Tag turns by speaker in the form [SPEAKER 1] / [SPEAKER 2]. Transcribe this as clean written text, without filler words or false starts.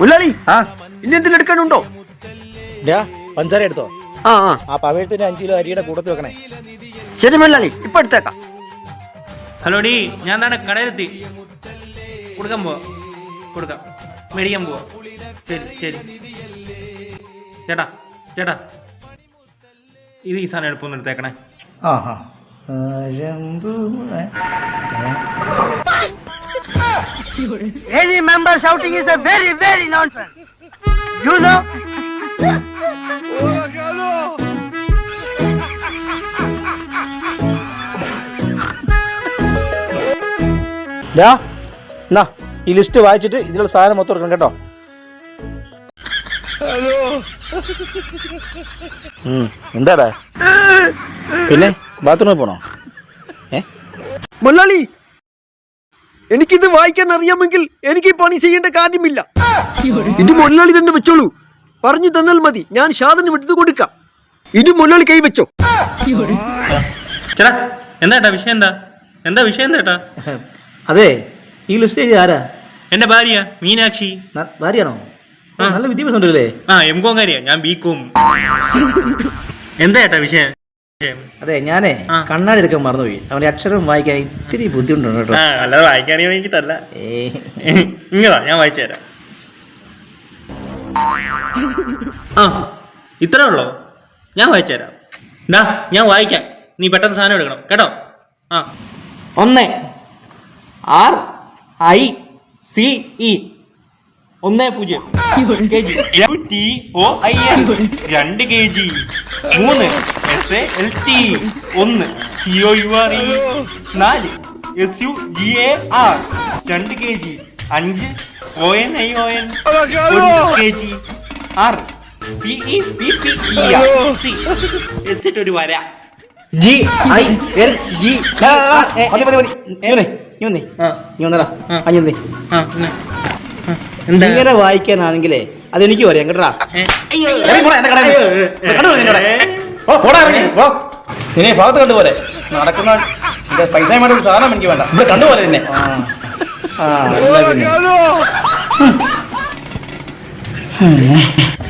[SPEAKER 1] മുല്ലാളി ഇനി എന്തെങ്കിലും എടുക്കാനുണ്ടോ?
[SPEAKER 2] പഞ്ചാര എടുത്തോ?
[SPEAKER 1] ആ
[SPEAKER 2] പവഴത്തിന് 5 കിലോ അരിയുടെ കൂടത്ത് വെക്കണേ.
[SPEAKER 1] ശരി മുല്ലാളി, ഇപ്പൊ എടുത്തേക്കാം.
[SPEAKER 3] ഹലോ ഡി, ഞാൻ താഴെ കടയിലെത്തി. കൊടുക്കാൻ പോവാ, കൊടുക്കാം, മേടിക്കാൻ പോവാ. ശരി ശരി ചേട്ടാ ചേട്ടാ, ഇത് ഈ സാധനം എളുപ്പം എടുത്തേക്കണേ.
[SPEAKER 4] Any member shouting is a very, very nonsense. You know?
[SPEAKER 2] ഈ ലിസ്റ്റ് വായിച്ചിട്ട് ഇതിലുള്ള സാധനം മൊത്തം എടുക്കണം കേട്ടോ. എന്താടാ പിന്നെ ബാത്റൂമിൽ പോണോ?
[SPEAKER 1] മുല്ലാളി, എനിക്കിത് വായിക്കാൻ അറിയാമെങ്കിൽ എനിക്ക് ഈ പണി ചെയ്യേണ്ട കാര്യമില്ല. ഇത് മുല്ലാളി തന്നെ വെച്ചോളൂ. പറഞ്ഞു തന്നാൽ മതി, ഞാൻ ഷാദനും എടുത്തു കൊടുക്കാം. ഇത് മുല്ലാളി കൈ വെച്ചോ.
[SPEAKER 3] ചേട്ടാ എന്താ വിഷയം? എന്താ വിഷയം എന്താ?
[SPEAKER 2] അതെ, ഈ ലിസ്റ്റ് എഴുതി ആരാ?
[SPEAKER 3] എന്റെ ഭാര്യ മീനാക്ഷി.
[SPEAKER 2] ഭാര്യയാണോ? നല്ല വിദ്യാഭ്യാസം ഉണ്ടല്ലേ?
[SPEAKER 3] എംകോം കാര്യ, ഞാൻ ബികോം. എന്താ ചേട്ടാ വിഷയം?
[SPEAKER 2] അതെ, ഞാനേ കണ്ണാടി എടുക്കാൻ മറന്നുപോയി. അവന്റെ അക്ഷരം വായിക്കാൻ ഇത്തിരി ബുദ്ധിമുട്ടുണ്ട് കേട്ടോ.
[SPEAKER 3] അല്ലാതെ വായിക്കാനേ വേണ്ടിട്ടല്ല. ഇങ്ങതാ, ഞാൻ വായിച്ചു തരാം. ഇത്രേ ഉള്ളോ? ഞാൻ വായിച്ചു തരാം. ഞാൻ വായിക്കാം, നീ പെട്ടെന്ന് സാധനം എടുക്കണം കേട്ടോ. 1 RICE 10 kg, TOIL 2 kg, 3 SALT 1 COURE 4 SUGAR 2 kg, 5 ONION 1 kg, 6 PEPPERC എച്ചിട്ട് ഒരു വര
[SPEAKER 2] ഇങ്ങനെ വായിക്കാനാണെങ്കിലേ അതെനിക്ക് പറയാം കേട്ടാ. നിന്നെ ഭാഗത്ത് കണ്ടുപോലെ നടക്കുന്ന പൈസയുമായിട്ട് ഒരു സാധനം എനിക്ക് വേണ്ട, ഇവിടെ കണ്ടുപോലെ തന്നെ.